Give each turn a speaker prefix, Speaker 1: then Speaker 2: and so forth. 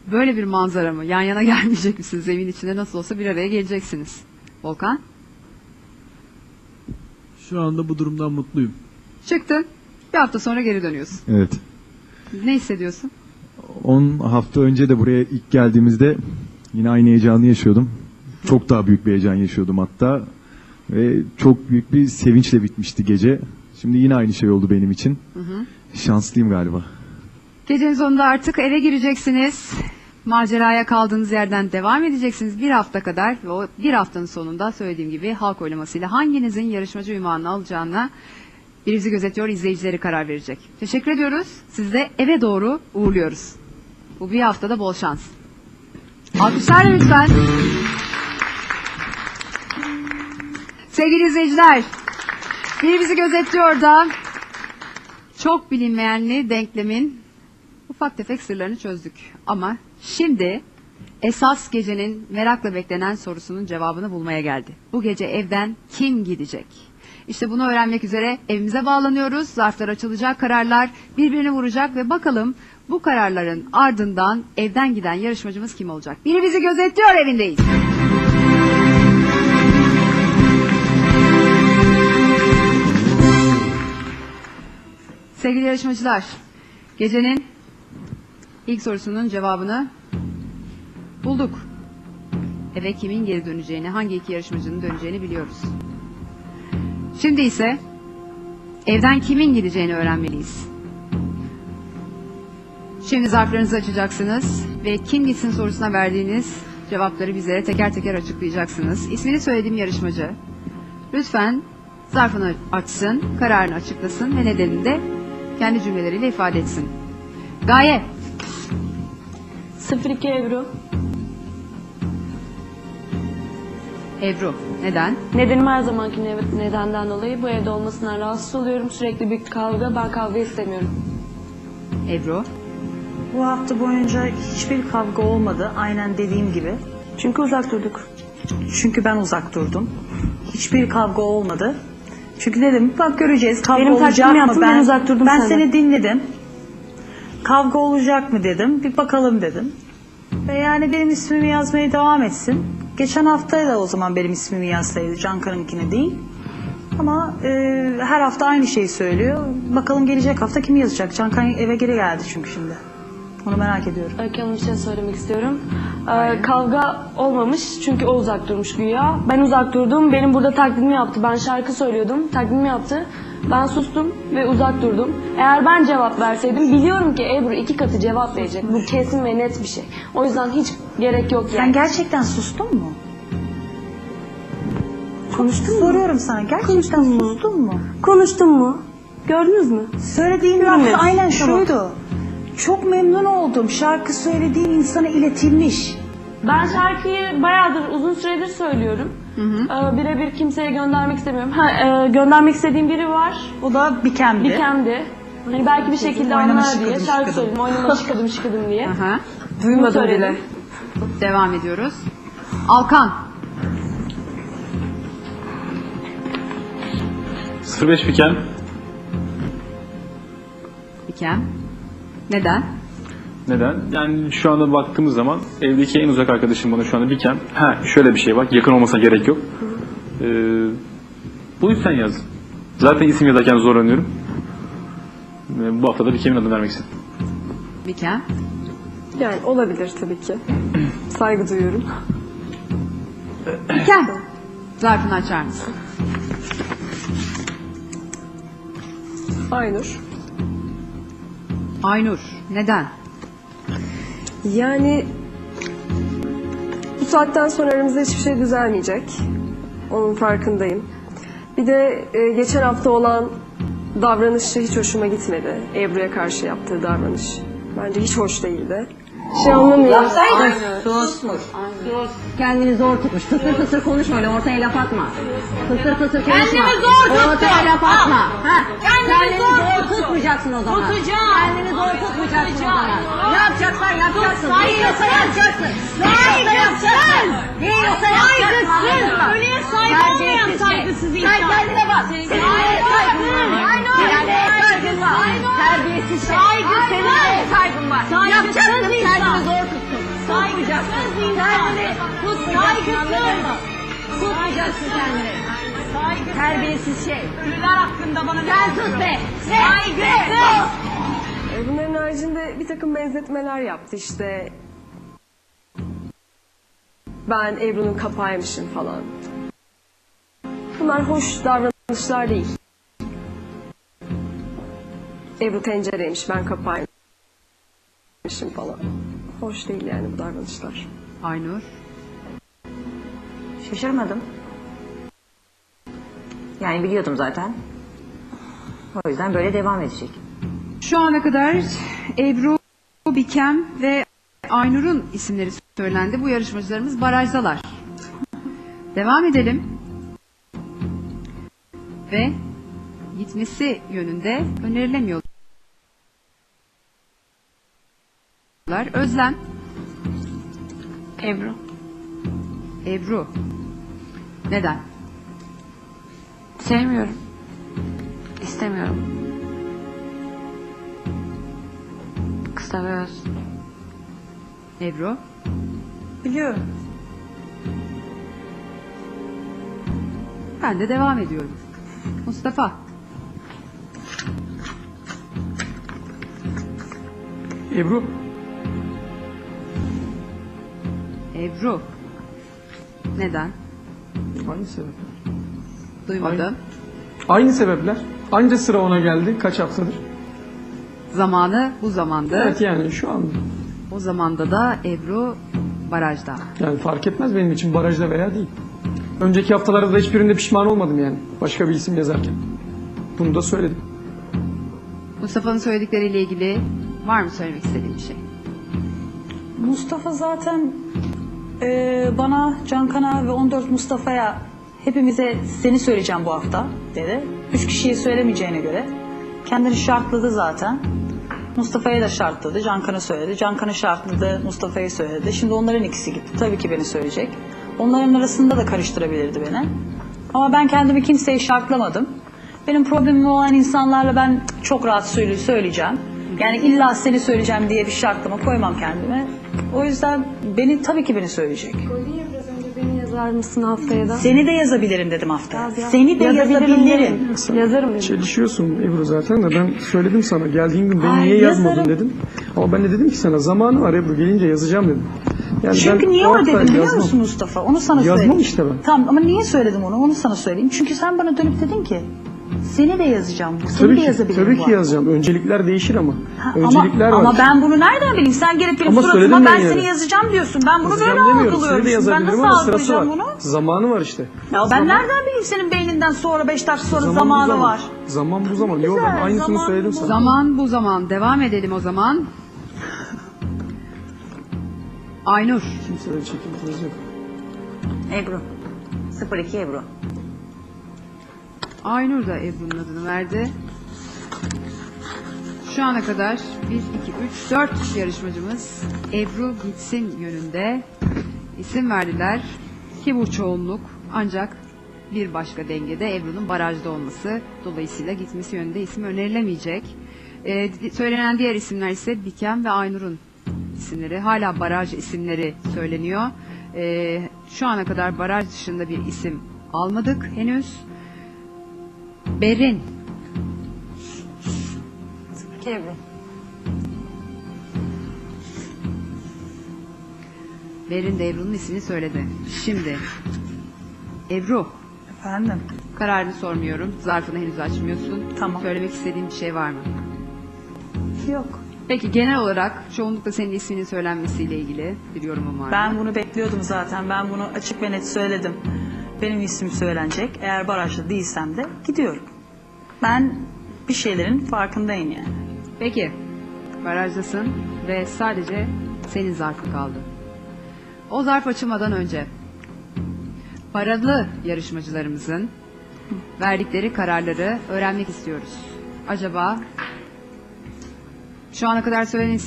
Speaker 1: Böyle bir manzara mı? Yan yana gelmeyecek misiniz? Evin içinde nasıl olsa bir araya geleceksiniz. Volkan?
Speaker 2: Şu anda bu durumdan mutluyum.
Speaker 1: Çıktın. Bir hafta sonra geri dönüyorsun.
Speaker 3: Evet.
Speaker 1: Ne hissediyorsun?
Speaker 3: 10 hafta önce de buraya ilk geldiğimizde yine aynı heyecanı yaşıyordum. Çok daha büyük bir heyecan yaşıyordum hatta. Ve çok büyük bir sevinçle bitmişti gece. Şimdi yine aynı şey oldu benim için. Şanslıyım galiba.
Speaker 1: Gecenin sonunda artık eve gireceksiniz. Maceraya kaldığınız yerden devam edeceksiniz bir hafta kadar. Ve o bir haftanın sonunda söylediğim gibi halk oylamasıyla hanginizin yarışmacı ünvanını alacağına Biri Bizi Gözetiyor izleyicileri karar verecek. Teşekkür ediyoruz. Sizi de eve doğru uğurluyoruz. Bu bir haftada bol şans. Alkışlarla lütfen. Sevgili izleyiciler, Biri Bizi Gözetiyor da çok bilinmeyenli denklemin ufak tefek sırlarını çözdük. Ama şimdi esas gecenin merakla beklenen sorusunun cevabını bulmaya geldi. Bu gece evden kim gidecek? İşte bunu öğrenmek üzere evimize bağlanıyoruz. Zarflar açılacak, kararlar birbirini vuracak ve bakalım bu kararların ardından evden giden yarışmacımız kim olacak? Biri Bizi Gözetiyor evindeyiz. Sevgili yarışmacılar, gecenin ilk sorusunun cevabını bulduk. Eve kimin geri döneceğini, hangi iki yarışmacının döneceğini biliyoruz. Şimdi ise evden kimin gideceğini öğrenmeliyiz. Şimdi zarflarınızı açacaksınız ve kim gitsin sorusuna verdiğiniz cevapları bizlere teker teker açıklayacaksınız. İsmini söylediğim yarışmacı lütfen zarfını açsın, kararını açıklasın ve nedenini de kendi cümleleriyle ifade etsin. Gaye.
Speaker 4: 02 Ebru.
Speaker 1: Ebru. Neden?
Speaker 4: Nedenim her zamanki nedenden dolayı bu evde olmasından rahatsız oluyorum. Sürekli bir kavga. Ben kavga istemiyorum.
Speaker 1: Ebru.
Speaker 5: Bu hafta boyunca hiçbir kavga olmadı. Aynen dediğim gibi.
Speaker 4: Çünkü uzak durduk.
Speaker 5: Çünkü ben uzak durdum. Hiçbir kavga olmadı. Çünkü dedim bak göreceğiz kavga
Speaker 4: Benim
Speaker 5: olacak
Speaker 4: taklidimi
Speaker 5: mı?
Speaker 4: yaptın, ben uzak durdum
Speaker 5: Ben
Speaker 4: senden.
Speaker 5: seni dinledim. Kavga olacak mı dedim. Bir bakalım dedim. Ve yani benim ismimi yazmaya devam etsin. Geçen hafta da o zaman benim ismimi yazsaydı. Cankar'ınkine değil. Ama her hafta aynı şeyi söylüyor. Bakalım gelecek hafta kim yazacak? Cankar eve geri geldi çünkü şimdi. Onu merak ediyorum.
Speaker 4: Öykü Hanım bir şey söylemek istiyorum. Kavga olmamış çünkü o uzak durmuş güya. Ben uzak durdum. Benim burada taklidimi yaptı. Ben şarkı söylüyordum. Taklidimi yaptı. Ben sustum ve uzak durdum. Eğer ben cevap verseydim biliyorum ki Ebru 2 katı cevap verecek. Bu kesin ve net bir şey. O yüzden hiç gerek yok yani.
Speaker 5: Sen gerçekten sustun mu?
Speaker 4: konuştun mu?
Speaker 5: Soruyorum sana. Gerçekten sustun mu?
Speaker 4: Konuştun mu? Gördünüz mü?
Speaker 5: Söylediğin
Speaker 4: Görmedim.
Speaker 5: laf aynen
Speaker 4: Tamam.
Speaker 5: şuydu. Çok memnun oldum. Şarkı söylediğin insana iletilmiş.
Speaker 4: Ben şarkıyı bayağıdır, uzun süredir söylüyorum. Birebir kimseye göndermek istemiyorum. Göndermek istediğim biri var.
Speaker 5: O da Bikem'di.
Speaker 4: Bikem'di. Hani belki bir şekilde
Speaker 5: Oynama
Speaker 4: anlar diye
Speaker 5: şıkıdım,
Speaker 4: şarkı
Speaker 5: şıkıdım.
Speaker 4: söyledim. Oynama şıkıdım şıkıdım diye.
Speaker 1: Aha.
Speaker 4: Duymadım bile.
Speaker 1: Devam ediyoruz. Alkan.
Speaker 6: 05 Biken.
Speaker 1: Bikem. Neden?
Speaker 6: Neden? Yani şu anda baktığımız zaman evdeki en uzak arkadaşım bana şu anda Biken. Ha şöyle bir şey bak, yakın olmasına gerek yok. Bu yüzden yazdım. Zaten isim yazarken zorlanıyorum. Bu hafta da Bikem'in adını vermek istedim.
Speaker 1: Bikem.
Speaker 7: Yani olabilir tabii ki. Saygı duyuyorum.
Speaker 1: Bikem. Zarfını açar mısın?
Speaker 7: Aynur.
Speaker 1: Aynur. Neden?
Speaker 7: Yani bu saatten sonra aramızda hiçbir şey düzelmeyecek. Onun farkındayım. Bir de geçen hafta olan davranışı hiç hoşuma gitmedi. Ebru'ya karşı yaptığı davranış. Bence hiç hoş değildi. Şey anlamıyorum.
Speaker 8: Sus. Kendini zor tutmuş. Fısır fısır konuşma öyle ortaya laf atma. Fısır fısır konuşma.
Speaker 9: Kendimi zor tuttum.
Speaker 8: Ortaya laf atma. Ha.
Speaker 9: Kendimi zor
Speaker 8: tutmayacaksın o zaman.
Speaker 9: Tutacağım.
Speaker 8: Kendini zor tutmayacaksın o zaman. Ne yapacaksan yapacaksın.
Speaker 9: Tut,
Speaker 8: Değiyorsa yapacaksın.
Speaker 9: Saygısız.
Speaker 8: Değiyorsa yapacaksın.
Speaker 9: Saygısız. Ölüye saygı olmayan saygısız insan.
Speaker 8: Sen kendine bak. Senin neye saygın var? Senin neye saygın var? Terbiyesiz.
Speaker 9: Saygısız.
Speaker 8: Senin neye saygın var?
Speaker 9: Saygısız
Speaker 8: Yapacaksın.
Speaker 9: insan.
Speaker 8: Kendini zor tuttun. Tutmayacaksın. Kendini tutmayacaksın. Tutmayacaksın kendini. Terbiyesiz şey.
Speaker 9: Ölüler hakkında bana
Speaker 8: Sen sus be. Saygısız.
Speaker 7: Bunların haricinde bir takım benzetmeler yaptı işte. Ben Ebru'nun kapağıymışım falan. Bunlar hoş davranışlar değil. Ebru tencereymiş, ben kapağıymışım falan. Hoş değil yani bu davranışlar.
Speaker 1: Aynur.
Speaker 8: Şaşırmadım. Yani biliyordum zaten. O yüzden böyle devam edecek.
Speaker 1: Şu ana kadar Ebru, Bikem ve Aynur'un isimleri söylendi. Bu yarışmacılarımız barajdalar. Devam edelim. Ve gitmesi yönünde önerilemiyorlar. Özlem.
Speaker 4: Ebru.
Speaker 1: Ebru. Neden?
Speaker 4: Sevmiyorum. İstemiyorum. Kısa ve öz.
Speaker 1: Ebru.
Speaker 5: Biliyorum.
Speaker 1: Ben de devam ediyorum. Mustafa.
Speaker 10: Ebru.
Speaker 1: Ebru. Neden?
Speaker 10: Aynı sebepler.
Speaker 1: Duymadım.
Speaker 10: Aynı sebepler. Anca sıra ona geldi. Kaç haftadır?
Speaker 1: Zamanı bu zamandı.
Speaker 10: Evet yani şu anda.
Speaker 1: O zamanda da Ebru barajda.
Speaker 10: Yani fark etmez benim için barajda veya değil. Önceki haftalarda da hiçbirinde pişman olmadım yani. Başka bir isim yazarken. Bunu da söyledim.
Speaker 1: Mustafa'nın söyledikleriyle ilgili var mı söylemek istediğin bir şey?
Speaker 5: Mustafa zaten bana, Cankan'a ve 14 Mustafa'ya hepimize seni söyleyeceğim bu hafta dedi. 3 kişiye söylemeyeceğine göre kendini şartladı zaten. Mustafa'ya da şartladı, Cankan'a söyledi. Cankan'ı şartladı, Mustafa'ya söyledi. Şimdi onların ikisi gitti. Tabii ki beni söyleyecek. Onların arasında da karıştırabilirdi beni. Ama ben kendimi kimseye şartlamadım. Benim problemim olan insanlarla ben çok rahat söyleyeceğim. Yani illa seni söyleyeceğim diye bir şartlama koymam kendime. O yüzden tabii ki beni söyleyecek.
Speaker 7: Beni yazar mısın haftaya da?
Speaker 5: Seni de yazabilirim dedim haftaya. Seni de yazabilirim.
Speaker 10: Sen
Speaker 7: Yazarım dedim.
Speaker 10: çelişiyorsun Ebru zaten de ben söyledim sana geldiğin gün beni
Speaker 5: Ay,
Speaker 10: niye yazmadın
Speaker 5: yazarım.
Speaker 10: dedim. Ama ben de dedim ki sana zamanı var Ebru gelince yazacağım dedim. Yani
Speaker 5: Çünkü
Speaker 10: ben
Speaker 5: niye
Speaker 10: o
Speaker 5: öyle
Speaker 10: hafta
Speaker 5: dedim biliyor
Speaker 10: yazmam.
Speaker 5: musun Mustafa? Onu sana
Speaker 10: Yazmam
Speaker 5: söyleyeyim.
Speaker 10: işte ben.
Speaker 5: Tamam ama niye söyledim onu sana söyleyeyim. Çünkü sen bana dönüp dedin ki seni de yazacağım. Seni
Speaker 10: Tabii
Speaker 5: de
Speaker 10: ki,
Speaker 5: yazabilirim
Speaker 10: tabii
Speaker 5: bu
Speaker 10: ki
Speaker 5: hafta.
Speaker 10: yazacağım. Öncelikler değişir ama.
Speaker 5: Ha,
Speaker 10: Öncelikler var.
Speaker 5: ama ben bunu nereden bileyim? Sen gelip benim
Speaker 10: Ama
Speaker 5: suratıma
Speaker 10: söyledim
Speaker 5: ben
Speaker 10: ben
Speaker 5: seni
Speaker 10: yani.
Speaker 5: yazacağım diyorsun. Ben bunu
Speaker 10: Yazacağım
Speaker 5: böyle
Speaker 10: demiyorum. Seni de
Speaker 5: algılıyorum. Ben
Speaker 10: yazabilirim
Speaker 5: nasıl
Speaker 10: ama sırası var.
Speaker 5: algılayacağım bunu?
Speaker 10: Zamanı var işte.
Speaker 5: Ya ben nereden bileyim senin beyninden sonra 5 dakika sonra
Speaker 10: Zaman bu
Speaker 5: zamanı
Speaker 10: zaman.
Speaker 5: var.
Speaker 10: Zaman bu zaman. Yok ben
Speaker 5: Güzel,
Speaker 10: aynısını
Speaker 5: zaman
Speaker 10: söyledim
Speaker 5: bu
Speaker 10: sana.
Speaker 1: Zaman bu zaman. Devam edelim o zaman. Aynur.
Speaker 10: Kimseye çekimimiz yok.
Speaker 8: Ebru. 02 Ebru.
Speaker 1: Aynur da Ebru'nun adını verdi. Şu ana kadar 1, 2, 3, 4 yarışmacımız Ebru gitsin yönünde isim verdiler ki bu çoğunluk, ancak bir başka dengede Ebru'nun barajda olması, dolayısıyla gitmesi yönünde isim önerilemeyecek. Söylenen diğer isimler ise Bikem ve Aynur'un isimleri. Hala baraj isimleri söyleniyor. Şu ana kadar baraj dışında bir isim almadık henüz. Berin.
Speaker 8: Ebru.
Speaker 1: Berin de Ebru'nun ismini söyledi. Şimdi Ebru,
Speaker 5: Efendim?
Speaker 1: kararını sormuyorum. Zarfını henüz açmıyorsun.
Speaker 5: Tamam.
Speaker 1: Söylemek istediğin bir şey var mı?
Speaker 5: Yok.
Speaker 1: Peki genel olarak çoğunlukla senin isminin söylenmesiyle ilgili bir yorumun var mı?
Speaker 5: Ben bunu bekliyordum zaten. Ben bunu açık ve net söyledim. Benim isim söylenecek. Eğer barajda değilsem de gidiyorum. Ben bir şeylerin farkındayım yani.
Speaker 1: Peki, barajdasın ve sadece senin zarfın kaldı. O zarf açılmadan önce paralı yarışmacılarımızın verdikleri kararları öğrenmek istiyoruz. Acaba şu ana kadar söylenen